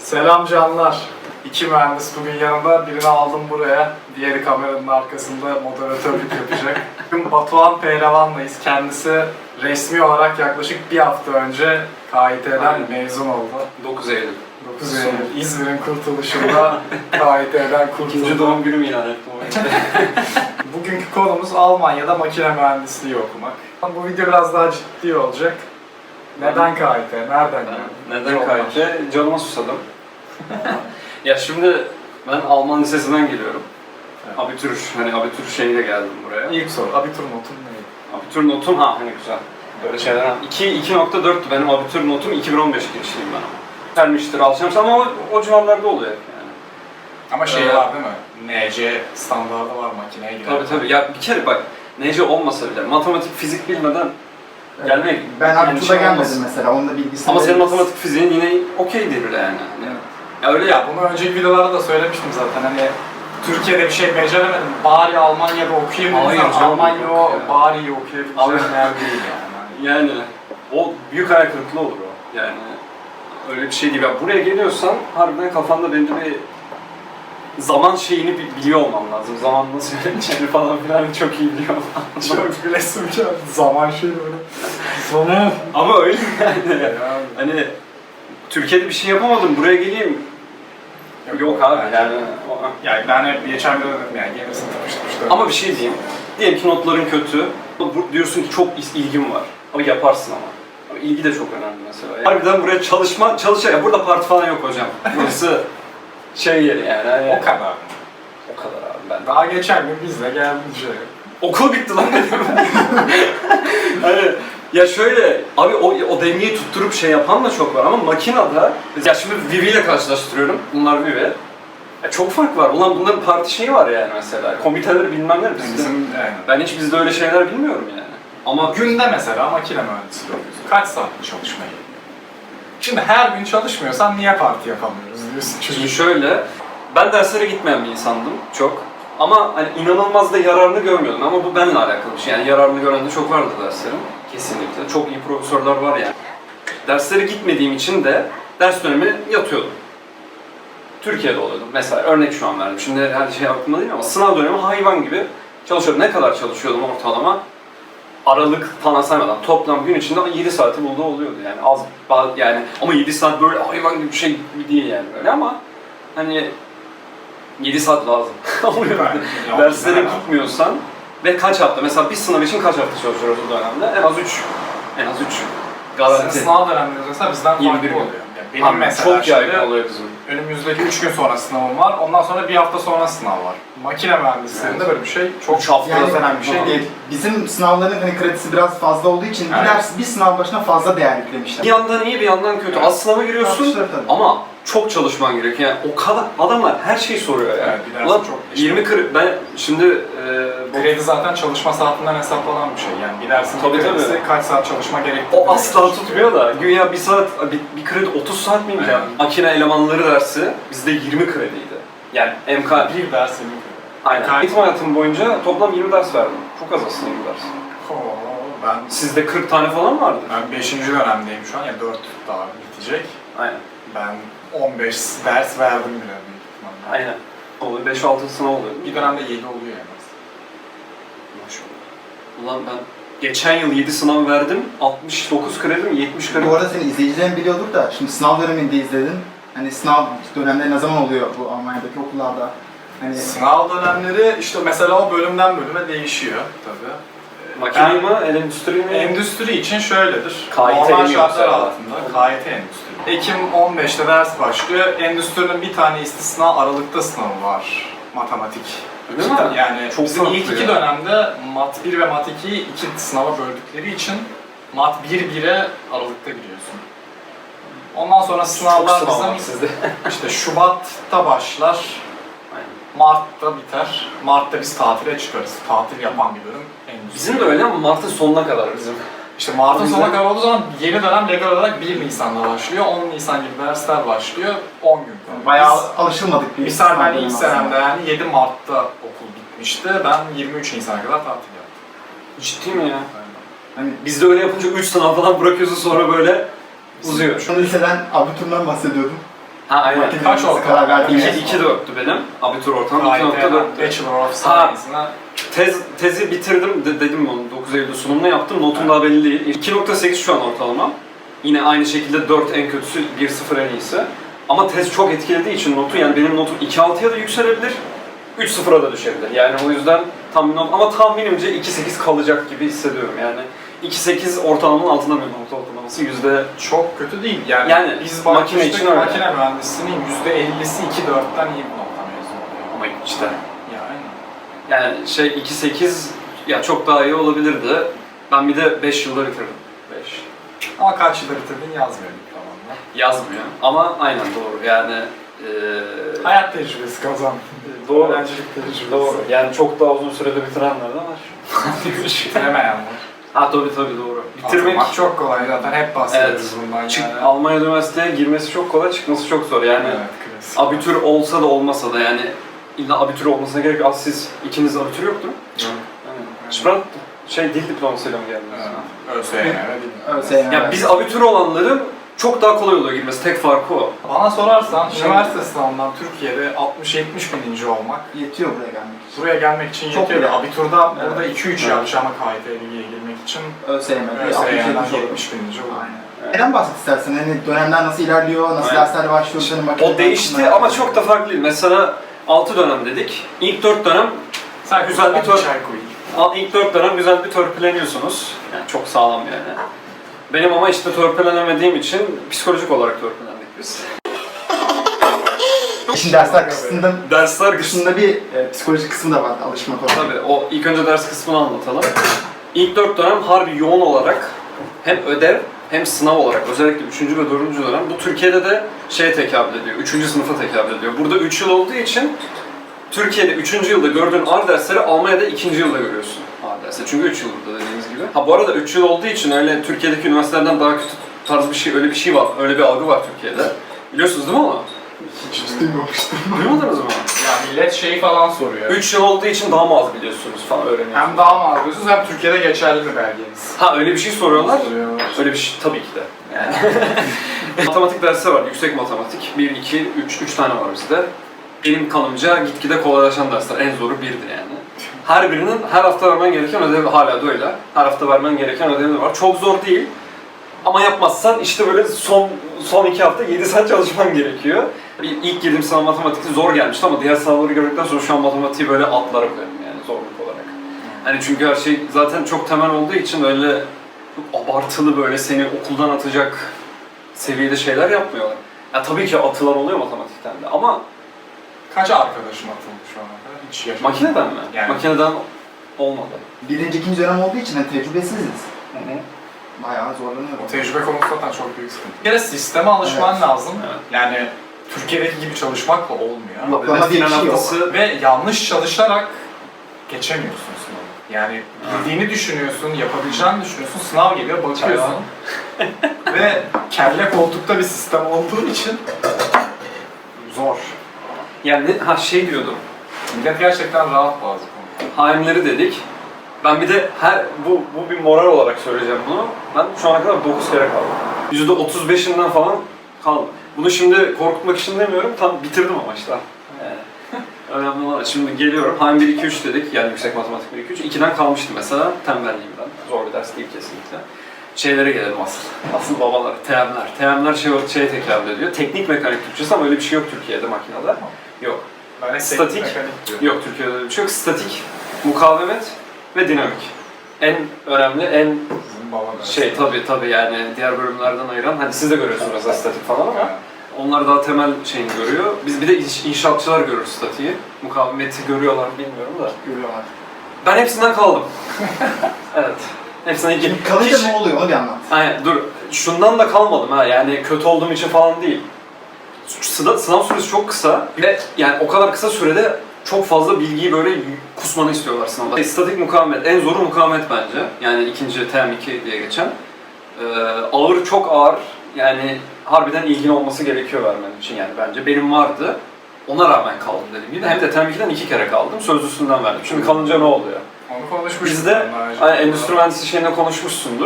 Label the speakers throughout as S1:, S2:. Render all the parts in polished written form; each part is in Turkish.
S1: Selam canlar. İki mühendis bugün yanında. Birini aldım buraya. Diğeri kameranın arkasında moderatörlük yapacak. Bugün Batuhan Pehlevan'layız. Kendisi resmi olarak yaklaşık bir hafta önce KİT'den mezun oldu.
S2: 9 Eylül.
S1: 9 Eylül. İzmir'in kurtuluşunda KİT'den kurtuldu.
S2: İkinci doğum günümü ilan ettim.
S1: Bugünkü konumuz Almanya'da makine mühendisliği okumak. Bu video biraz daha ciddi olacak. Neden KİT? Nereden geldi?
S2: Neden KİT? Canıma susadım. Ya şimdi ben Alman lisesinden geliyorum.
S1: Evet.
S2: Abitür şeyiyle geldim buraya.
S1: İlk soru, abitur notun neydi?
S2: Abitür notum hani güzel. Böyle şeyler. 2.4'tü benim abitür notum, 2015 girişliyim ben ama. Gelmiştir, alışmıştır ama o civarlarda oluyor yani.
S1: Ama şey var değil mi? NC standardı var makineye giren.
S2: Tabii. Ya bir kere bak, nece olmasa bile matematik, fizik bilmeden gelmek...
S3: Ben Abitür'e gelmedim
S2: olmaz.
S3: mesela, onun da bilgisini
S2: Ama senin
S3: veririz.
S2: matematik fiziğin yine okeydir yani. Ya öyle
S1: Ya bunu önceki videolarda da söylemiştim zaten hani Türkiye'de bir şey beceremedim, bari Almanya'da okuyayım dedim.
S2: Hayır
S1: Ama
S2: canım,
S1: Almanya
S2: yok
S1: o
S2: ya.
S1: bari iyi okuyabileceğim
S2: Abi-
S1: yer değil yani.
S2: Yani o büyük hayal kırıklığı olur o. Yani öyle bir şey değil. Ya buraya geliyorsan harbiden kafanda bence bir zaman şeyini biliyor olman lazım. Zaman nasıl yöneteceğini falan filan çok iyi biliyor olman lazım.
S1: Çok gülesim geldi. Zaman şey böyle. Zaman.
S2: Ama öyle yani.
S1: Ya.
S2: Hani Türkiye'de bir şey yapamadım, buraya geleyim. Yok abi yani.
S1: Yani ben hep geçen bir dedim yani gerisini tanıştırmıştım.
S2: Ama bir şey diyeyim. Diyelim ki notların kötü. Diyorsun ki çok ilgim var. Ama yaparsın ama. Ama ilgi de çok önemli mesela. Yani harbiden buraya çalışacak. Burada parti falan yok hocam. Burası şey yeri yani. Hani
S1: O kadar.
S2: O kadar abi ben.
S1: Daha geçen gün bizle geldi şey.
S2: Okul bitti lan dedim. Hani ya şöyle abi o dengeyi tutturup şey yapan da çok var ama makinede ya şimdi Vivi ile karşılaştırıyorum. Bunlar Vivi. Ya çok fark var. Ulan bunların parti şeyi var yani mesela. Komiteleri bilmem ne bizde.
S1: Bizim yani.
S2: Ben hiç bizde öyle şeyler bilmiyorum yani. Ama
S1: Günde mesela makine mühendisliği okuyorsun. Kaç saat çalışmayı? Şimdi her gün çalışmıyorsan niye parti yapamıyoruz diyorsun
S2: şimdi
S1: çünkü.
S2: şöyle, ben derslere gitmeyen bir insandım çok. Ama hani inanılmaz da yararını görmüyordum ama bu benimle alakalı bir şey. Yani yararını gören de çok vardı derslerim. Kesinlikle. Çok iyi profesörler var yani. Derslere gitmediğim için de ders dönemi yatıyordum. Türkiye'de oluyordum. Mesela örnek şu an verdim. Şimdi her şey aklımda değil ama sınav dönemi hayvan gibi çalışıyordum. Ne kadar çalışıyordum ortalama? Aralık falan saymadan toplam gün içinde 7 saati bulduğu oluyordu yani yani ama 7 saat böyle hayvan gibi bir şey gibi değil yani böyle ama hani 7 saat lazım oluyor. Derslere gitmiyorsan ve kaç hafta mesela bir sınav için kaç hafta çalışıyoruz o dönemde? En az 3 garanti.
S1: Sizin sınav dönemleriniz mesela bizden
S2: 21
S1: farklı
S2: gün.
S1: oluyor. Yani benim mesela
S2: çok yaygın
S1: şimdi
S2: oluyor bizim.
S1: önümüzdeki 3 gün sonra sınavım var. Ondan sonra bir hafta sonra sınav var. Makine mühendisliğinde böyle bir şey çok
S2: 3 hafta
S3: Yani
S1: önemli bir şey değil.
S3: bizim sınavların hani kredisi biraz fazla olduğu için
S1: Evet.
S3: bir sınav başına fazla değer yüklemişler.
S2: Bir yandan iyi bir yandan kötü.
S1: Evet.
S2: Az sınava giriyorsun
S3: Tartışılır tabii.
S2: ama çok çalışman gerekiyor. Yani o kadar adamlar her şeyi soruyor yani.
S1: Evet, bir dersin
S2: Ulan
S1: çok
S2: 20 ben şimdi
S1: Kredi zaten çalışma saatinden hesaplanan bir şey. Yani bir dersin
S2: Tabii,
S1: kredisi
S2: tabii.
S1: kaç saat çalışma gerektiğini.
S2: o asla tutmuyor da güya bir saat bir kredi 30 saat miymiş ya?
S1: Aynen.
S2: Makine elemanları dersi bizde 20 krediydi. Yani MK
S1: Bir dersin.
S2: aynen. Eğitim hayatım boyunca toplam 20 ders verdim. Çok az aslında 20 ders.
S1: Ben
S2: Sizde 40 tane falan vardı.
S1: 5. dönemdeyim şu an. Yani 4 daha bitecek.
S2: Aynen.
S1: Ben 15 ders verdim bile büyük ihtimalle.
S2: Aynen. Oluyor 5-6 sınav oluyor.
S1: Bir dönemde 7 oluyor en az.
S2: Maşallah. Ulan ben geçen yıl 7 sınav verdim. 69 kredim, 70 kredim.
S3: Bu arada senin izleyicilerin biliyordur da şimdi sınav döneminde izledin. Hani sınav dönemleri ne zaman oluyor bu Almanya'daki okullarda? Hani
S1: Sınav dönemleri işte mesela o bölümden bölüme değişiyor tabii.
S2: Makine mi, endüstri mi?
S1: Endüstri için şöyledir.
S2: KİT
S1: Normal
S2: mi
S1: şartlar
S2: yoksa?
S1: altında KİT endüstri. Ekim 15'te ders başlıyor. Endüstrinin bir tane istisna Aralık'ta sınavı var. Matematik.
S2: Öyle mi?
S1: Yani
S2: Çok
S1: bizim ilk
S2: farklı
S1: iki
S2: ya.
S1: dönemde Mat 1 ve Mat 2'yi iki sınava böldükleri için Mat 1-1'e Aralık'ta giriyorsun. Ondan sonra sınavlar bizim
S2: sizde.
S1: işte Şubat'ta başlar,
S2: Aynen.
S1: Mart'ta biter. Mart'ta biz tatile çıkarız. Tatil yapan bir bölüm endüstri.
S2: Bizim de öyle ama Mart'ın sonuna kadar bizim.
S1: İşte Mart'ın
S2: Bizim-
S1: sonuna kadar olduğu zaman yeni dönem legal olarak 1 Nisan'da başlıyor. 10 Nisan gibi dersler başlıyor. 10 gün kalıyor.
S3: bayağı alışılmadık bir
S1: Misal ben
S3: dönemi
S1: ilk
S3: aslında.
S1: senemde yani 7 Mart'ta okul bitmişti. Ben 23 Nisan'a kadar tatil yaptım.
S2: Ciddi mi ya?
S3: Hani
S2: Bizde öyle yapınca 3 sınav falan bırakıyorsun sonra böyle uzuyor.
S3: şu liseden Abitür'den bahsediyordum.
S2: Ha aynen.
S3: Makine
S1: Kaç
S3: mühendisi
S1: ortalama?
S3: karar verdiğin yer.
S2: 2.4'tü benim. Abitur ortamım
S1: Gayet
S2: 2.4'tü.
S1: Bachelor of
S2: Ha.
S1: Science'ına
S2: Tezi bitirdim dedim onu 9 Eylül sunumunu yaptım. Notum daha belli değil. 2.8 şu an ortalama. Yine aynı şekilde 4 en kötüsü, 1.0 en iyisi. Ama tez çok etkilediği için notu, yani benim notum 2.6'ya da yükselebilir, 3.0'a da düşebilir. Yani o yüzden ama tahminimce 2.8 kalacak gibi hissediyorum. Yani 2.8 ortalamanın altında bir not ortalaması
S1: çok kötü değil. Yani,
S2: Yani
S1: biz
S2: makine için öyle.
S1: makine mühendisliğinin %50'si 2.4'ten iyi bir nokta mezun oluyor.
S2: ama işte
S1: Yani
S2: yani 2.8 ya çok daha iyi olabilirdi. Ben bir de 5 yılda bitirdim. 5.
S1: ama kaç yılda bitirdin yazmıyor diplomanda.
S2: Yazmıyor ama aynen doğru yani
S1: Hayat tecrübesi kazan.
S2: Doğru.
S1: Öğrencilik tecrübesi.
S2: doğru yani çok daha uzun sürede bitirenler de var.
S1: Bitiremeyen var.
S2: Ha tabii doğru. Bitirmek
S1: Atılmak çok kolay zaten hep bahsediyoruz bundan yani.
S2: Almanya üniversiteye girmesi çok kolay, çıkması çok zor yani.
S1: Evet, klasik.
S2: Abitür olsa da olmasa da yani illa abitür olmasına gerek yok. Siz ikiniz abitür yoktur.
S1: Yok.
S2: Yani. Sprant dil diplomasıyla mı geldiniz?
S1: ÖSYM öyle değil mi?
S2: Ya biz abitür olanların çok daha kolay oluyor girmesi. Tek farkı o.
S1: Bana sorarsan üniversite sınavından Türkiye'de 60-70 bininci olmak
S3: Yetiyor buraya gelmek için.
S1: buraya gelmek için
S3: Çok
S1: yetiyor.
S3: bile.
S1: Abiturda burada
S3: Evet.
S1: 2-3
S3: Evet.
S1: yapacağım KYT'ye girmek için
S3: ÖSYM'de
S1: ÖSYM'den
S3: 60
S1: 70 bininci olur.
S3: Aynen. Neden bahset istersen? Hani dönemler nasıl ilerliyor, nasıl
S2: Aynen.
S3: dersler başlıyor, senin makineden
S2: O değişti
S3: kısmına-
S2: ama çok da farklı değil. Mesela 6 dönem dedik. İlk 4 dönem
S1: Sen
S2: Güzel bir
S1: çay koyayım.
S2: ilk 4 dönem güzel bir törpüleniyorsunuz. Yani çok sağlam yani. Benim ama işte törpülenemediğim için psikolojik olarak törpülendik biz.
S3: Şimdi dersler kısmında,
S2: Dersler
S3: dışında bir psikolojik kısmı da var alışmak olarak.
S2: Tabii o ilk önce ders kısmını anlatalım. İlk 4 dönem harbi yoğun olarak hem ödev hem sınav olarak özellikle 3. ve 4. dönem bu Türkiye'de de şeye tekabül ediyor. 3. sınıfa tekabül ediyor. Burada 3 yıl olduğu için Türkiye'de 3. yılda gördüğün ağır dersleri Almanya'da 2. yılda görüyorsun ağır dersleri. Çünkü 3 yıl burada dediğimiz gibi. Ha bu arada 3 yıl olduğu için öyle Türkiye'deki üniversitelerden daha kötü tarz bir şey, öyle bir şey var. Öyle bir algı var Türkiye'de. Biliyorsunuz değil mi onu?
S3: Hiç duymamıştım.
S2: Duymadınız mı?
S1: Ya millet şeyi falan soruyor.
S2: 3 yıl olduğu için daha mı az biliyorsunuz falan öğreniyorsunuz.
S1: Hem daha mı alıyorsunuz hem Türkiye'de geçerli mi belgeniz?
S2: Ha öyle bir şey soruyorlar.
S1: Soruyorlar.
S2: Öyle bir şey tabii ki de. Yani. Matematik dersi var, yüksek matematik. 1, 2, 3 tane var bizde. Benim kanımca gitgide kolaylaşan dersler. En zoru 1'di yani. Her birinin her hafta vermen gereken ödevi hala da öyle. Her hafta vermen gereken ödevi var. Çok zor değil. Ama yapmazsan işte böyle son 2 hafta 7 saat çalışman gerekiyor. İlk girdiğim sınav matematik zor gelmişti ama diğer sınavları gördükten sonra şu an matematiği böyle atlara koyarım yani zorluk olarak. Hani çünkü her şey zaten çok temel olduğu için öyle çok abartılı böyle seni okuldan atacak seviyede şeyler yapmıyorlar. Ya tabii ki atılan oluyor matematikten de ama
S1: Kaç arkadaşım atıldı şu ana kadar? Hiç yaşamadım.
S2: makineden mi?
S1: Yani.
S2: Makineden olmadı.
S3: Birinci, ikinci dönem olduğu için hani tecrübesiziz. Bayağı zorlanıyorum.
S1: O tecrübe konusu zaten çok büyük sıkıntı. Bir kere sisteme alışman
S3: Evet.
S1: lazım.
S2: Evet.
S1: Yani Türkiye'deki gibi çalışmakla olmuyor.
S3: Yok.
S2: Ve
S3: Ama bir
S2: final
S3: şey yok.
S2: haftası
S1: Ve yanlış çalışarak geçemiyorsun sınavı. Yani bildiğini düşünüyorsun, yapabileceğini düşünüyorsun, sınav geliyor, bakıyorsun. Ve kelle koltukta bir sistem olduğu için zor.
S2: yani şey diyordum.
S1: Millet gerçekten rahat bazı konularda.
S2: Haimleri dedik. Ben bir de bu bir moral olarak söyleyeceğim bunu. Ben şu ana kadar 9 kere kaldım. %35'inden falan kaldım. Bunu şimdi korkutmak için demiyorum. Tam bitirdim ama işte. Yani. Önemli olan. Şimdi geliyorum. Haim 1, 2, 3 dedik. Yani yüksek matematik 1, 2, 3. 2'den kalmıştım mesela. Tembelliğimden. Zor bir ders değil kesinlikle. Şeylere gelelim asıl. Asıl babalar. TM'ler. TM'ler şeye tekabül ediyor. Teknik mekanik Türkçesi ama öyle bir şey yok Türkiye'de makinede. Yok.
S1: Ben hep
S2: Statik.
S1: teknik mekanik diyorum.
S2: Yok Türkiye'de öyle bir şey yok. Statik, mukavemet ve dinamik. En önemli, en
S1: Bizim baba dersi.
S2: tabii yani diğer bölümlerden ayıran, hani siz de görüyorsunuz mesela statik falan ama onlar daha temel şeyini görüyor. Biz bir de inşaatçılar görür statiği. Mukavemeti görüyorlar mı bilmiyorum da.
S3: Görüyorlar.
S2: Ben hepsinden kaldım. Evet. Hepsinden ilgili.
S3: Şimdi kalınca ne oluyor onu bir anlat.
S2: Aynen dur. Şundan da kalmadım ha yani kötü olduğum için falan değil. Sınav süresi çok kısa ve yani o kadar kısa sürede çok fazla bilgiyi böyle kusmanı istiyorlar sınavda. Statik mukavemet, en zoru mukavemet bence. Yani ikinci TM2 diye geçen. Ağır, çok ağır. Yani harbiden ilgin olması gerekiyor vermen için yani bence. Benim vardı. Ona rağmen kaldım dediğim gibi. Hem de TM2'den 2 kere kaldım. Sözlüsünden verdim. Şimdi kalınca ne oluyor?
S1: Onu konuşmuştuk.
S2: Bizde endüstri mühendisliği şeyinde konuşmuşsundur.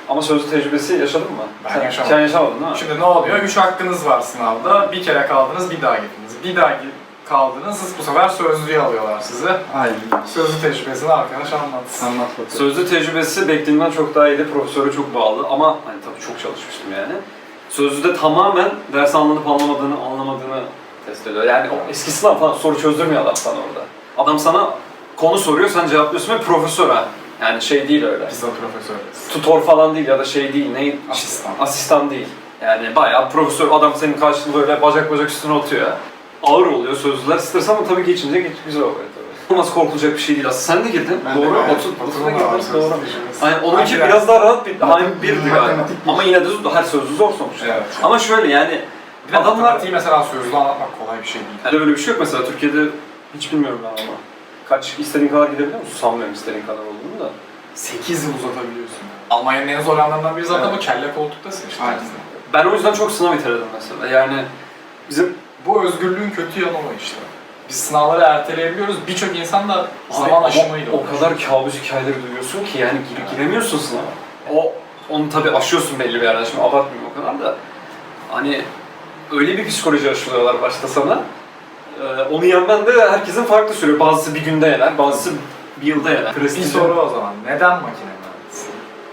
S2: Ama sözlü tecrübesi yaşadın mı?
S1: Ben yaşamadım.
S2: Sen yaşamadın değil mi?
S1: Şimdi ne oluyor? 3 hakkınız var sınavda. Bir kere kaldınız, bir daha gittiniz. Bir daha kaldınız, bu sefer sözlüğü alıyorlar size.
S3: Aynen.
S1: Sözlü tecrübesini arkadaş anlatsın.
S3: Anlat bakalım.
S2: Sözlü tecrübesi beklediğimden çok daha iyiydi. Profesöre çok bağlı ama hani tabii çok çalışmıştım yani. Sözlüde tamamen ders anlanıp anlamadığını test ediyor. Yani o eski sınav falan soru çözdürmüyor adam sana orada. Adam sana konu soruyor, sen cevaplıyorsun ve profesör ha. Yani şey değil öyle.
S1: Biz de profesörüz.
S2: Tutor falan değil ya da şey değil, ne?
S1: Asistan.
S2: Asistan değil. Yani bayağı profesör, adam senin karşında böyle bacak üstüne oturuyor ya. Ağır oluyor sözlüler, stres ama tabii geçince güzel oluyor tabii. Nasıl korkulacak bir şey değil aslında. Sen de girdin,
S3: Ben de
S2: doğru.
S3: gayet.
S2: Oturma girdin, doğru.
S1: Tecrübesi.
S2: Aynen, onunki
S1: Hangi
S2: biraz
S1: ders?
S2: daha rahat bir, aynı birdi galiba.
S3: Matematik bir.
S2: Ama yine de her sözlü zor sonuçta.
S1: Evet.
S2: Ama şöyle yani,
S1: Bir de
S2: adamlar...
S1: matematiği mesela sözlü anlatmak kolay bir şey değil.
S2: Yani böyle bir şey yok mesela Türkiye'de, hiç bilmiyorum ben ama. İstediğin kadar gidebiliyor musun? Sanmıyorum istediğin kadar olduğunu da.
S1: 8 yıl uzatabiliyorsun. Almanya'nın en zor yanlarından biri zaten bu kelle koltuktasın işte.
S3: Aynen.
S2: Ben o yüzden çok sınav iteledim mesela. Yani bizim
S1: Bu özgürlüğün kötü yanı o işte. Biz sınavları erteleyebiliyoruz. Birçok insan da zaman aşımıyla
S2: o kadar kabus hikayeleri duyuyorsun ki yani giremiyorsun sınava. Onu tabii aşıyorsun belli bir yerden, şimdi abartmayayım o kadar da. Hani öyle bir psikoloji aşılıyorlar başta sana. Onu yenmen de herkesin farklı sürüyor. Bazısı bir günde yener, bazısı bir yılda yener.
S1: Bir soru o zaman. Neden makine mühendisi?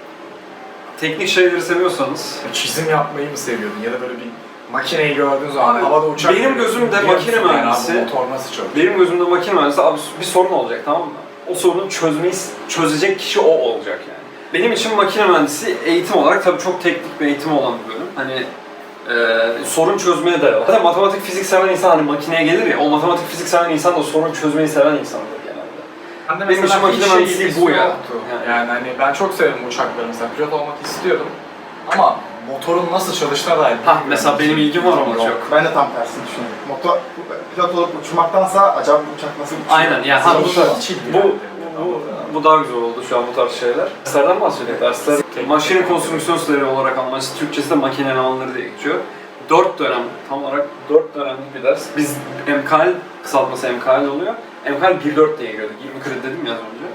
S2: Teknik şeyleri seviyorsanız,
S1: Çizim yapmayı mı seviyordun? Ya da böyle bir makineyi gördüğün zaman
S2: Abi,
S1: havada uçak
S2: benim
S1: görüyorsun,
S2: gözümde
S1: biliyor
S2: makine
S1: musun? Yani
S2: mühendisi-
S1: abi bu motor nasıl çalışıyor?
S2: benim gözümde makine mühendisi abi bir sorun olacak, tamam mı? O sorunu çözecek kişi o olacak yani. Benim için makine mühendisi eğitim olarak tabii çok teknik bir eğitim olan bir bölüm. Hani sorun çözmeye dayalı. Zaten matematik fizik seven insan hani makineye gelir ya, o matematik fizik seven insan da sorun çözmeyi seven insandır genelde.
S1: Ben de
S2: Benim
S1: mesela
S2: için makine
S1: hiç
S2: mühendisliği
S1: ilgisi
S2: bu ya.
S1: yoktu. Yani hani ben çok severim uçakları mesela. Pilot olmak istiyordum. Ama motorun nasıl çalıştığına dair
S2: Mesela benim ilgim var ama çok.
S3: Ben de tam tersini düşünüyorum. Pilot olup uçmaktansa acaba bu uçak nasıl uçuyor?
S2: Aynen yani
S1: Hiç ilgilenmiyorum.
S2: bu daha güzel oldu şu an bu tarz şeyler. Derslerden bahsediyor. Dersler maşinin konstrüksiyonları olarak anlaşılır. Türkçesi de makine elemanları diye geçiyor. 4 dönem, tam olarak 4 dönemlik bir ders. Biz MKL, kısaltması MKL oluyor. MKL 1-4 diye giriyorduk. 20 kredi dedim ya az önce.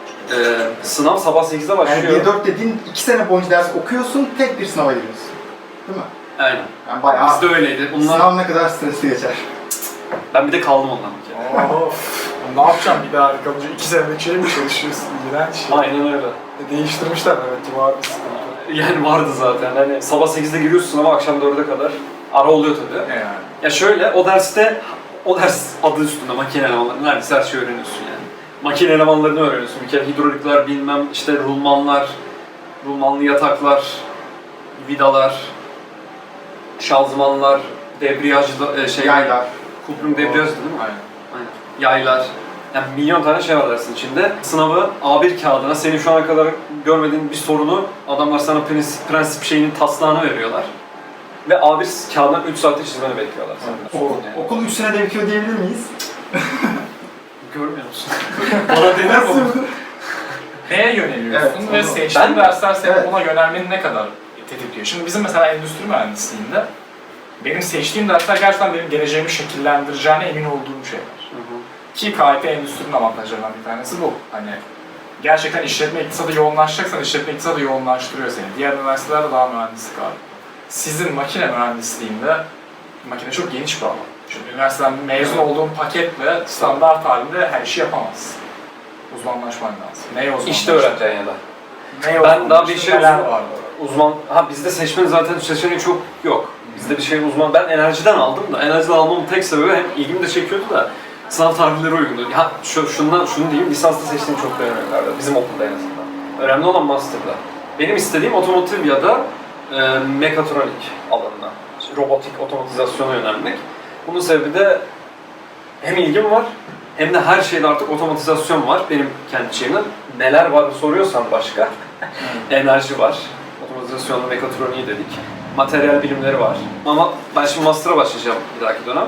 S2: Sınav sabah 8'de başlıyor.
S3: Yani 1-4 dediğin 2 sene boyunca ders okuyorsun, tek bir sınava giriyorsun. Değil mi?
S2: Aynen.
S3: Yani bayağı
S2: Bizde öyleydi.
S3: sınav ne kadar stresli geçer.
S2: Ben bir de kaldım ondan bir kere.
S1: Of. Ne yapacağım bir daha kalınca 2 senelik şey mi çalışıyorsun? İğrenç şey.
S2: Aynen öyle.
S1: Değiştirmişler evet ki var bir sıkıntı.
S2: Yani vardı zaten. Hani sabah 8'de giriyorsun sınava, akşam 4'e kadar. Ara oluyor tabii.
S1: Yani.
S2: Ya şöyle, o ders adı üstünde makine elemanları, neredeyse her şeyi öğreniyorsun yani. Makine elemanlarını öğreniyorsun. Bir kere hidrolikler, bilmem işte rulmanlar, rulmanlı yataklar, vidalar, şanzımanlar, debriyaj,
S3: Yaylar.
S2: Kuprum debriyaj değil mi?
S1: Aynen.
S2: Aynen. Yaylar. Yani milyon tane şey var dersin içinde. Sınavı A1 kağıdına senin şu ana kadar görmediğin bir sorunu adamlar sana prensip şeyinin taslağını veriyorlar. Ve A1 kağıdından 3 saatte çizmeni bekliyorlar senden. Sorun yani.
S3: Okul 3 senede bitiyor diyebilir miyiz?
S2: Görmüyor musun? Bana denir bu.
S1: Neye yöneliyorsun
S3: Evet,
S1: ve
S3: onu-
S1: seçtiğin dersler seni
S3: Evet.
S1: ona yönelmeni ne kadar tetikliyor? Şimdi bizim mesela endüstri mühendisliğinde benim seçtiğim dersler gerçekten benim geleceğimi şekillendireceğine emin olduğum şeyler. Ki KIT endüstrinin avantajlarından bir tanesi bu. Hani gerçekten işletme iktisadı yoğunlaşacaksan işletme iktisadı yoğunlaştırıyor seni. Diğer üniversitelerde daha mühendislik abi. Sizin makine mühendisliğinde makine çok geniş bir alan. Çünkü üniversiteden mezun olduğun paketle standart halinde her işi yapamazsın. Uzmanlaşman lazım. Neye uzmanlaşman?
S2: İşte öğreneceksin ya da.
S1: Neye
S2: Ben daha bir şey
S1: neler var?
S2: bizde seçmenin zaten seçeneği çok yok. Bizde bir şey uzman, ben enerjiden aldım da, enerjiden almamın tek sebebi hem ilgimi de çekiyordu da sınav tarihleri uygundu. Ya şunu diyeyim, lisansta seçtiğim çok önemli bizim okulda en azından. Önemli olan master'da. Benim istediğim otomotiv ya da mekatronik alanına, robotik otomatizasyona yönelmek. Bunun sebebi de hem ilgim var, hem de her şeyde artık otomatizasyon var. Benim kendi şeyimden neler var soruyorsan başka. Enerji var, otomatizasyonla mekatroniği dedik. Materyal bilimleri var. Ama ben şimdi master'a başlayacağım bir dahaki dönem.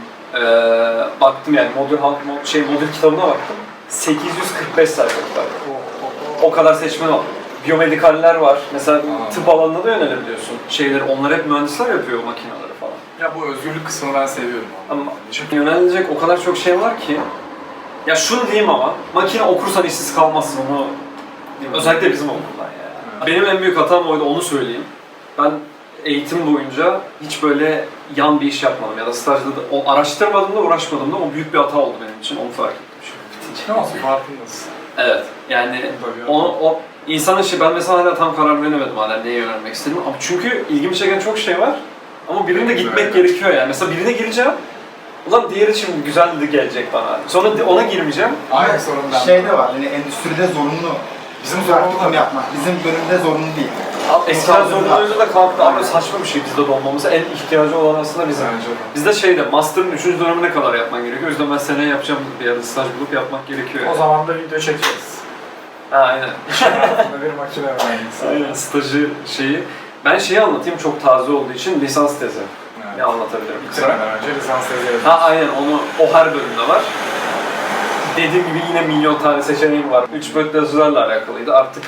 S2: Baktım yani modül kitabına baktım. 845 sayfa kitap. O kadar seçmen var. Biyomedikaller var. Mesela tıp alanına da yönelebiliyorsun. Onlar hep mühendisler yapıyor o makineleri falan.
S1: Ya bu özgürlük kısmını ben seviyorum.
S2: Ama çünkü yönelilecek o kadar çok şey var ki. Ya şunu diyeyim ama, makine okursan işsiz kalmazsın onu diyeyim. Özellikle bizim okuldan yani. Benim en büyük hatam oydu, onu söyleyeyim. Ben eğitim boyunca hiç böyle yan bir iş yapmadım ya da stajda da araştırmadım da uğraşmadım da o büyük bir hata oldu benim için. Onu fark ettim şimdi.
S1: Ne olsun farkındasın.
S2: Evet, yani
S1: Tabii.
S2: o insanın işi, ben mesela hala tam karar veremedim hala neyi öğrenmek istediğimi. Ama çünkü ilgimi çeken çok şey var. Ama birine gitmek gerekiyor yani. Mesela birine gireceğim. Ulan diğeri şimdi güzeldi gelecek bana. Sonra ona girmeyeceğim.
S1: Aynı sorun ben.
S3: Şey de var, hani endüstride zorunlu.
S1: Bizim
S3: Praktikum
S1: zorunlu
S3: yapmak. Bizim bölümde zorunlu değil.
S2: Eskiden zorunluydu da kalktı ama saçma bir şey bizde de olmamız. En ihtiyacı olan aslında bizim.
S1: Bence de.
S2: Bizde şeyde, master'ın 3. dönemine kadar yapman gerekiyor. O yüzden ben seneye yapacağım bir yerde staj bulup yapmak gerekiyor.
S1: O zaman da video çekeriz.
S2: Ha, aynen.
S1: İş hayatında bir makine mühendisi.
S2: Aynen, stajı şeyi. Ben şeyi anlatayım çok taze olduğu için, lisans tezi.
S1: Evet.
S2: Ne anlatabilirim?
S1: Bitirmeden önce lisans tezi yazıyoruz.
S2: Ha aynen, o her bölümde var. Dediğim gibi yine milyon tane seçeneğim var. 3 boyutlu yazıcılarla alakalıydı. Artık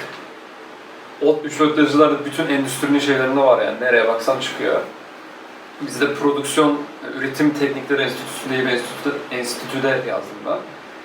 S2: o 3 boyutlu yazıcılar bütün endüstrinin şeylerinde var yani. Nereye baksan çıkıyor. Bizde prodüksiyon, üretim teknikleri enstitüsü diye bir enstitüde yazdım ben.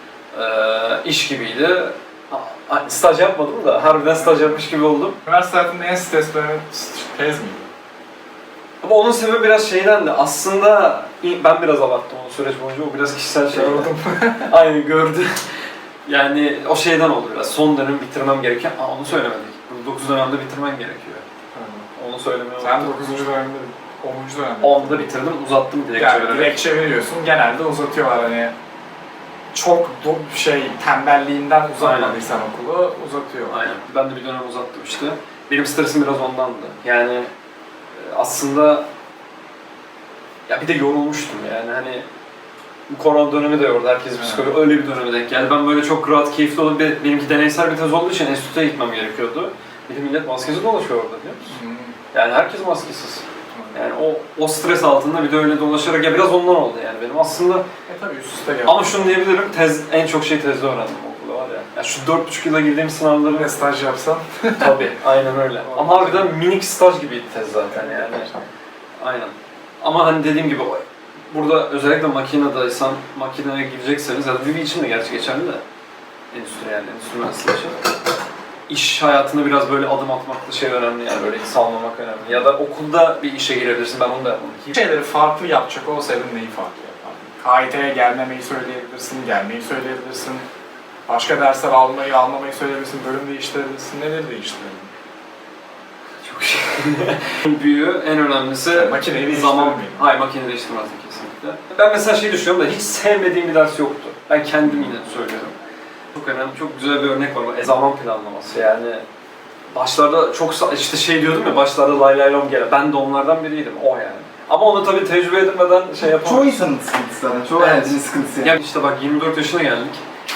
S2: İş gibiydi. Staj yapmadım da harbiden staj yapmış gibi oldum.
S1: Üniversite hayatında en stres dönemi tez miydi?
S2: Ama onun sebebi biraz şeyden de aslında ben biraz abarttım o süreç boyunca, o biraz kişisel şey.
S1: Gördüm.
S2: Aynen gördü. Yani o şeyden oldu biraz. Son dönem bitirmem gereken, onu söylemedik. 9 dönemde bitirmen gerekiyor. Onu söylemeye
S1: Sen
S2: unuttum.
S1: 9. dönemde, 10. dönemde.
S2: 10'da bitirdim, uzattım dilekçe
S1: Yani
S2: vererek.
S1: dilekçe veriyorsun, genelde uzatıyorlar hani. Çok tembelliğinden uzatmadıysan okulu uzatıyorlar.
S2: Aynen. Ben de bir dönem uzattım işte. Benim stresim biraz ondandı. Yani aslında ya bir de yorulmuştum yani hani bu korona dönemi de yordu, herkes psikoloji öyle bir döneme denk geldi. Ben böyle çok rahat, keyifli olup benimki deneysel bir tez olduğu için enstitüye gitmem gerekiyordu. Bir de millet maskesiz dolaşıyor orada biliyor musun? Yani herkes maskesiz. Yani o stres altında bir de öyle dolaşarak ya biraz ondan oldu yani benim aslında.
S1: Tabii üst üste geldi.
S2: Ama şunu diyebilirim, en çok şey tezde öğrendim okulda var ya. Ya şu 4,5 yıla girdiğim sınavları
S1: Ne staj yapsam?
S2: tabii aynen öyle. Ama harbiden minik staj gibiydi tez zaten yani. Aynen. Ama hani dediğim gibi burada özellikle makinedaysan, makineye girecekseniz ya da Vivi için de gerçi geçerli de endüstri yani, endüstri mühendisliği için. İş hayatında biraz böyle adım atmak da şey önemli yani, böyle salmamak önemli. Ya da okulda bir işe girebilirsin, ben onu da yapmadım.
S1: Şeyleri farklı yapacak olsaydın neyi farklı yapardın? KIT'ye gelmemeyi söyleyebilirsin, gelmeyi söyleyebilirsin. Başka dersler almamayı söyleyebilirsin, bölüm değiştirebilirsin, neleri değiştirebilirsin?
S2: Çok şey. En büyüğü, en önemlisi
S1: Makineyi
S2: zaman.
S1: değiştirmeyin.
S2: Hayır, makine değiştirmezdim kesinlikle. Ben mesela şey düşünüyorum da hiç sevmediğim bir ders yoktu. Ben kendim yine söylüyorum. Çok önemli, çok güzel bir örnek var. Zaman planlaması yani. Başlarda çok işte şey diyordum ya, başlarda lay lay lom gele. Ben de onlardan biriydim, o yani. Ama onu tabii tecrübe edinmeden şey yapamam.
S3: Çoğu insanın sıkıntısı zaten. Çoğu
S2: Evet.
S3: öğrencinin sıkıntısı yani.
S2: Ya işte bak 24 yaşına geldik.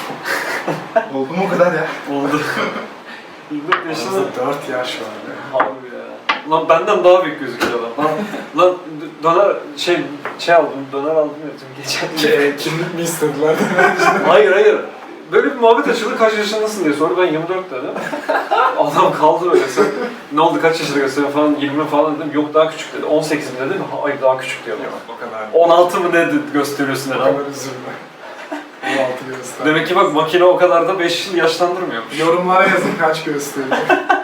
S3: Oldu mu o kadar ya?
S2: Oldu. 24 yaşında.
S1: Aramızda 4 yaş var.
S2: Abi ya. Lan benden daha büyük gözüküyor adam. Lan döner aldım, döner aldım ya tüm geçen.
S1: Kimlik mi istediler?
S2: Hayır. Böyle bir muhabbet açıldı, kaç yaşındasın diye sordu, ben 24 dedim. Adam kaldı böyle, sen ne oldu, kaç yaşında gösteriyorsun falan, 20 falan dedim, yok daha küçük dedi, 18 mi dedim, hayır daha küçük diyor.
S1: O kadar.
S2: 16 mı ne gösteriyorsun
S1: O
S2: dedi.
S1: kadar üzülme. 16 göster.
S2: Demek ki bak makine o kadar da 5 yıl yaşlandırmıyormuş.
S1: Yorumlara yazın kaç gösteriyor.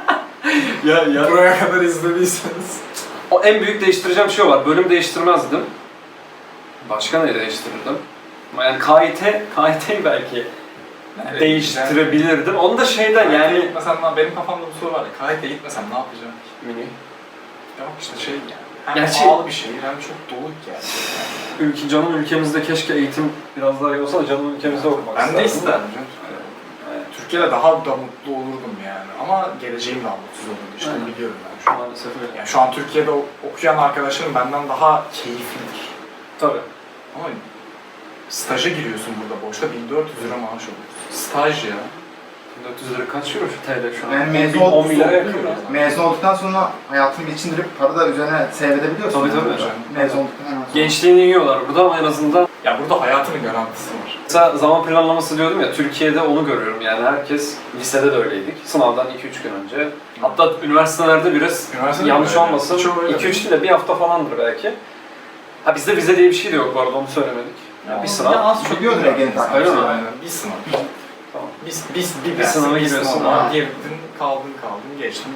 S2: ya.
S1: Buraya kadar izlediyseniz.
S2: O en büyük değiştireceğim şey var, bölüm değiştirmezdim. Başka ne değiştirirdim? Yani KIT'yi belki değiştirebilirdim. Onu da şeyden yani...
S1: Gitmesem, benim kafamda bu soru var ya, KIT'ye gitmesem ne yapacağım ki?
S2: Mini.
S1: Yok işte şey yani. Hem
S2: Gerçi-
S1: pahalı bir şehir hem çok dolu gerçekten.
S2: Canım ülkemizde keşke eğitim biraz daha iyi olsa da canım ülkemizde okumak
S1: Ben de
S2: isterdim.
S1: isterdim canım. Türkiye'de daha da mutlu olurdum yani. Ama geleceğim daha mutsuz olurdu. İşte
S2: Aynen.
S1: biliyorum ben şu an.
S2: Maalesef öyle.
S1: Yani şu an Türkiye'de okuyan arkadaşlarım benden daha keyiflidir.
S2: Tabii.
S1: Ama staja giriyorsun burada boşta 1400 lira maaş alıyorsun. Staj ya.
S2: 400 lira kaç euro şu TL şu an?
S3: Yani mezun
S2: 10
S3: olduktan
S2: milyara yakıyor.
S3: Mezun olduktan sonra hayatını geçindirip para da üzerine seyredebiliyorsun.
S2: Tabii, tabii.
S3: Mezun olduktan hemen sonra.
S2: Gençliğini yiyorlar burada ama en azından...
S1: Ya burada hayatının garantisi var.
S2: Mesela zaman planlaması diyordum ya, Türkiye'de onu görüyorum yani herkes, lisede de öyleydik. Sınavdan 2-3 gün önce. Hatta üniversitelerde biraz
S1: Üniversitede
S2: yanlış
S1: öyle.
S2: olmasın,
S1: Çoğu öyle.
S2: 2-3 değil de bir hafta falandır belki. Ha bizde vize diye bir şey de yok bu arada, onu söylemedik. Yani bir sınav.
S3: Ya az çok biliyordur Ege'nin
S2: Öyle
S3: takipçisi.
S2: mi?
S1: Aynen. Bir sınav.
S2: Tamam.
S1: Bir
S2: sınava giriyorsun
S1: sınava
S2: ha.
S1: girdin, kaldın, geçtin, bitti.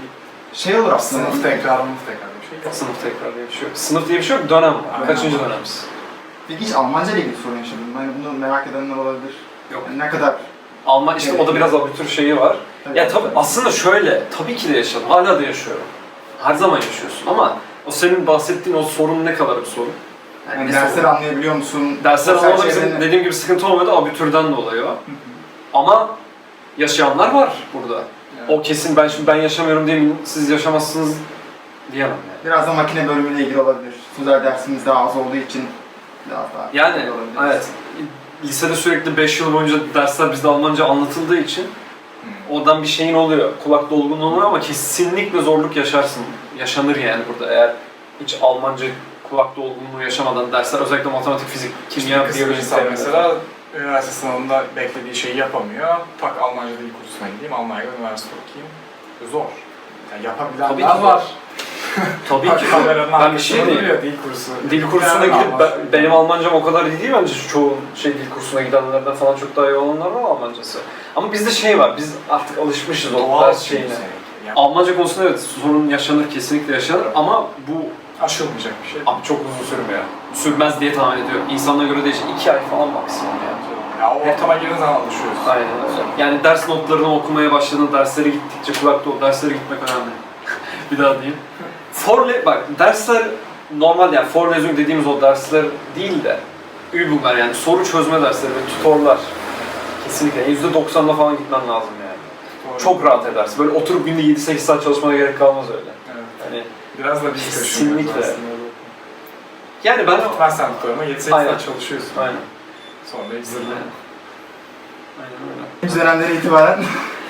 S3: Şey olur aslında.
S1: Sınıf tekrarı bir şey yok.
S2: Sınıf tekrar diye bir şey yok. Sınıf diye bir şey yok, dönem var.
S1: Aynen.
S2: Kaçıncı dönemimiz?
S3: Peki hiç Almanca ile ilgili sorun yaşadın mı? Hani bunu merak edenler olabilir.
S2: Yok.
S3: Yani ne kadar...
S2: Alman işte o da biraz abitür şeyi var. Ya tabii aslında şöyle, tabii ki de yaşadım, hala da yaşıyorum. Her zaman yaşıyorsun ama o senin bahsettiğin o sorun ne kadar bir sorun?
S3: Yani
S2: ne
S3: dersleri
S2: sorun?
S3: anlayabiliyor musun?
S2: Dersler
S3: Sosyal
S2: anlamada bizim
S3: çevreni-
S2: dediğim gibi sıkıntı olmuyordu, abitürden dolayı o. Ama yaşayanlar var burada. O kesin ben yaşamıyorum diye siz yaşamazsınız diyemem yani.
S3: Biraz da makine bölümüyle ilgili olabilir. Sözel dersimiz daha az olduğu için biraz daha...
S2: Yani
S3: olabilir.
S2: evet, lisede sürekli 5 yıl boyunca dersler bizde Almanca anlatıldığı için oradan bir şeyin oluyor, kulak dolgunluğu oluyor ama kesinlikle zorluk yaşarsın. Yaşanır yani burada eğer hiç Almanca kulak dolgunluğu yaşamadan dersler, özellikle matematik, fizik, kimya,
S1: Bir
S2: biyoloji
S1: insan mesela üniversite sınavında beklediği şeyi yapamıyor. Tak Almanca dil kursuna gideyim, Almanya'da üniversite okuyayım. Zor. Yani
S2: Tabii
S1: yapabilenler
S2: ki
S1: var.
S2: Tabii ki.
S1: Kameranın
S2: Ben bir şey
S1: arkasında
S2: diyeyim.
S1: duruyor, dil kursu.
S2: Dil kursuna
S1: Yani
S2: gidip benim Almancam o kadar iyi değil bence çoğu dil kursuna gidenlerden falan çok daha iyi olanlar var Almancası. Ama bizde şey var, biz artık alışmışız o
S1: doğal
S2: ders şeyine.
S1: Yani
S2: Almanca konusunda evet sorun yaşanır, kesinlikle yaşanır ama bu
S1: aşılmayacak bir şey.
S2: abi çok uzun sürmüyor. Sürmez diye tahmin ediyorum. İnsanlara göre değişir. 2 ay falan maksimum yani.
S1: Ya o ortama girdiğin zaman alışıyorsun.
S2: Aynen öyle. Yani ders notlarını okumaya başladığın derslere gittikçe kulakta o derslere gitmek önemli. Bir daha diyeyim. Bak dersler normal yani Vorlesung dediğimiz o dersler değil de Übunglar yani soru çözme dersleri ve tutorlar. Kesinlikle %90'da falan gitmen lazım yani.
S1: Doğru.
S2: Çok rahat edersin. Böyle oturup günde 7-8 saat çalışmana gerek kalmaz öyle.
S1: Evet.
S2: Hani
S1: Biraz da biz
S2: Kesinlikle.
S1: kaşınıyoruz aslında.
S2: yani ben
S1: Gitmezsen tutuyorum ama 7-8
S2: Aynen.
S1: saat çalışıyorsun.
S2: aynen.
S1: Sonra zırla.
S2: Aynen öyle.
S3: İkinci dönemden itibaren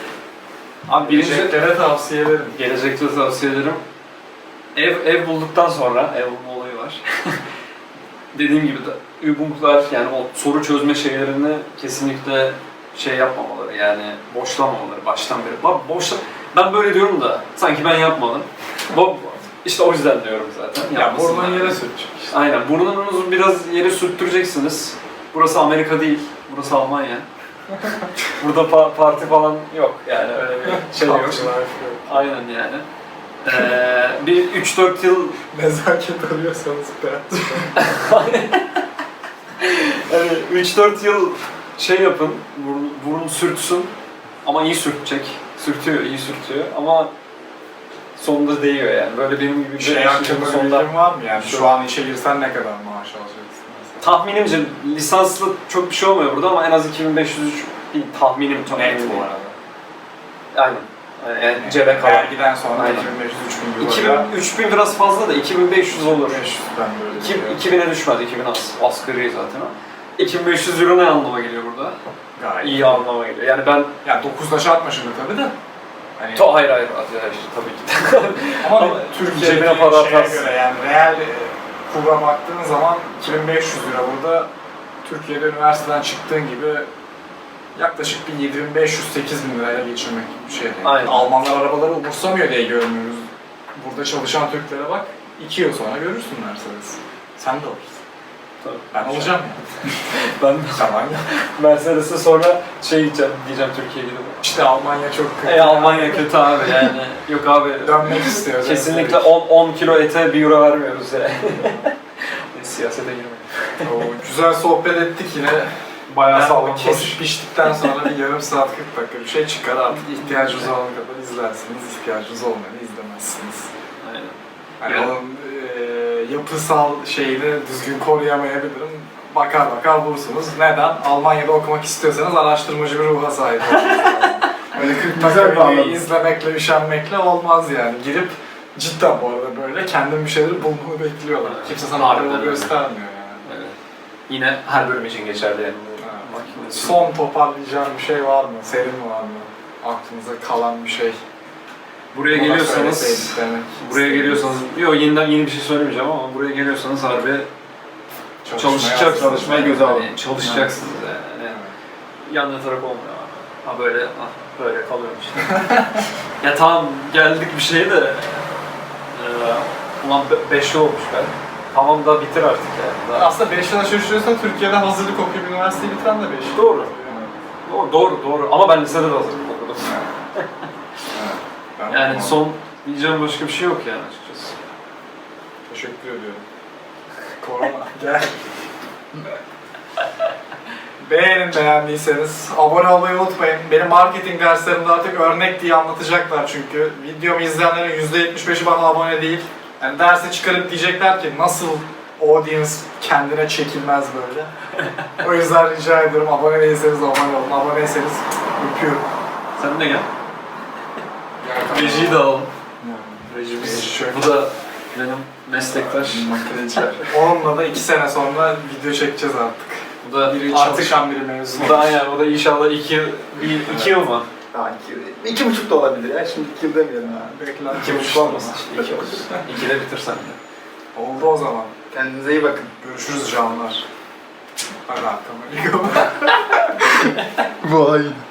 S2: Abi birinci
S1: Geleceklere tavsiye ederim.
S2: gelecekte tavsiye ederim. Ev bulduktan sonra, ev bulma olayı var. Dediğim gibi de Übunglar yani o soru çözme şeylerini kesinlikle şey yapmamaları yani boşlamamaları baştan beri. Ben böyle diyorum da sanki ben yapmadım. İşte o yüzden diyorum zaten.
S1: Ya
S2: Yapmasınlar.
S1: burnunu yere sürtecek işte.
S2: Aynen. Burnunuzu biraz yere sürttüreceksiniz. Burası Amerika değil, burası Almanya. Burada parti falan yok yani öyle bir şey yok.
S1: Kapçılar yok.
S2: Aynen yani. Bir 3-4 yıl
S1: Nezaket arıyorsanız
S2: yani 3-4 yıl şey yapın, burun sürtsün ama iyi sürtecek. Sürtüyor, iyi sürtüyor ama sonunda değiyor yani. Böyle benim gibi bir
S1: şey hakkında bir
S2: sonunda.
S1: bilgin var mı yani? Şu an işe girsen ne kadar maaş alacaksın mesela?
S2: Tahminimce lisanslı çok bir şey olmuyor burada ama en az 2500 tahminim çok
S1: Net
S2: emin
S1: bu
S2: değilim.
S1: arada.
S2: Aynen. Yani cebe kalan.
S1: Vergiden sonra
S2: Aynen.
S1: 2500-3000 euro.
S2: 3000 biraz fazla da 2500 olur.
S1: 500'den böyle diyor.
S2: 2000'e düşmez, 2000 asgari zaten o. 2500 euro ne anlama geliyor burada?
S1: Gayet.
S2: İyi anlama geliyor. Yani ben...
S1: Ya 9'da çarpma şimdi tabii de. Hani,
S2: Hayır, tabii ki de.
S1: ama
S2: ama
S1: Türkiye'deki
S2: cebine para
S1: şeye
S2: atarsın.
S1: göre yani reel kura baktığın zaman 2500 lira burada Türkiye'de üniversiteden çıktığın gibi yaklaşık bir 7500-8000 liraya geçirmek gibi bir şey. Yani.
S2: Aynen.
S1: Almanlar arabaları umursamıyor diye görmüyoruz. Burada çalışan Türklere bak, 2 yıl sonra görürsün Mercedes. Sen de alırsın.
S2: Tabii.
S1: Ben alacağım yani.
S2: Ben
S1: Tamam.
S2: Mercedes'e sonra diyeceğim Türkiye'ye gidip.
S1: İşte Almanya çok kötü.
S2: Almanya kötü abi yani. Yok abi.
S1: Dönmek istiyor.
S2: Kesinlikle 10 kilo ete 1 euro vermiyoruz yani. Siyasete girmeyin.
S1: Güzel sohbet ettik yine.
S2: Bayağı
S1: Ben
S2: sağlam.
S1: kesip biçtikten sonra bir yarım saat 40 dakika bir şey çıkar artık ihtiyacınız olana kadar izlersiniz, ihtiyacınız olmayanı izlemezsiniz.
S2: Aynen.
S1: Hani
S2: Evet.
S1: onun yapısal şeyini düzgün koruyamayabilirim. Bakar bulursunuz. Neden? Almanya'da okumak istiyorsanız araştırmacı bir ruha sahip olmanız lazım. Öyle 40
S3: Güzel
S1: dakika
S3: bağladın.
S1: videoyu izlemekle, üşenmekle olmaz yani. Girip cidden bu arada böyle kendim bir şeyleri bulmanı bekliyorlar.
S2: Evet.
S1: Kimse sana
S2: Harbiden
S1: yol
S2: öyle.
S1: göstermiyor yani.
S2: Evet. Yine her bölüm için geçerli yani.
S1: Evet. Son toparlayacağım bir şey var mı? Serin var mı? Aklınıza kalan bir şey.
S2: Buraya
S1: Buna
S2: geliyorsanız,
S1: söyleseydik demek
S2: buraya
S1: istedim.
S2: geliyorsanız, yeni bir şey söylemeyeceğim ama buraya geliyorsanız harbi çalışacaksınız.
S3: Çalışmaya göze alın.
S2: Yani çalışacaksınız yani.
S1: Evet.
S2: Yan yatarak olmuyor abi. Ha böyle, böyle kalıyorum işte. Ya tamam geldik bir şeye de ulan 5 yıl olmuş ben. Tamam da bitir artık yani. Daha...
S1: Aslında 5 yıla şaşırıyorsan Türkiye'de hazırlık okuyup üniversiteyi bitiren de 5 yıl.
S2: Doğru.
S1: Evet.
S2: Doğru. Ama ben lisede de hazırlık okudum.
S1: Evet. Ben
S2: Yani
S1: okumadım.
S2: son Diyeceğim başka bir şey yok yani açıkçası.
S1: Teşekkür ediyorum. Korona gel. Beğenin beğendiyseniz. Abone olmayı unutmayın. Benim marketing derslerimde artık örnek diye anlatacaklar çünkü. Videomu izleyenlerin %75'i bana abone değil. Yani dersi çıkarıp diyecekler ki nasıl audience kendine çekilmez böyle. O yüzden rica ediyorum abone değilseniz abone olun. Aboneyseniz öpüyorum.
S2: Sen de gel.
S1: Gel
S2: Rejiyi de alalım.
S1: Rejimiz
S2: Reji
S1: şöyle.
S2: Bu da benim meslektaş.
S1: Makineciler. Onunla da 2 sene sonra video çekeceğiz artık.
S2: Bu da
S1: Biri
S2: artık
S1: çalışan biri mezun.
S2: bu da yani o da inşallah 2 yıl mı?
S3: Daha 2,5 da olabilir ya. Şimdi 2 yıl demeyelim ha.
S1: Bekler.
S2: 2,5 olmasın işte 2 olsun. 2'de bitirsen de.
S1: Oldu o zaman.
S3: Kendinize iyi bakın.
S1: Görüşürüz canlar. Hadi arkamı yıkama.
S3: Vay.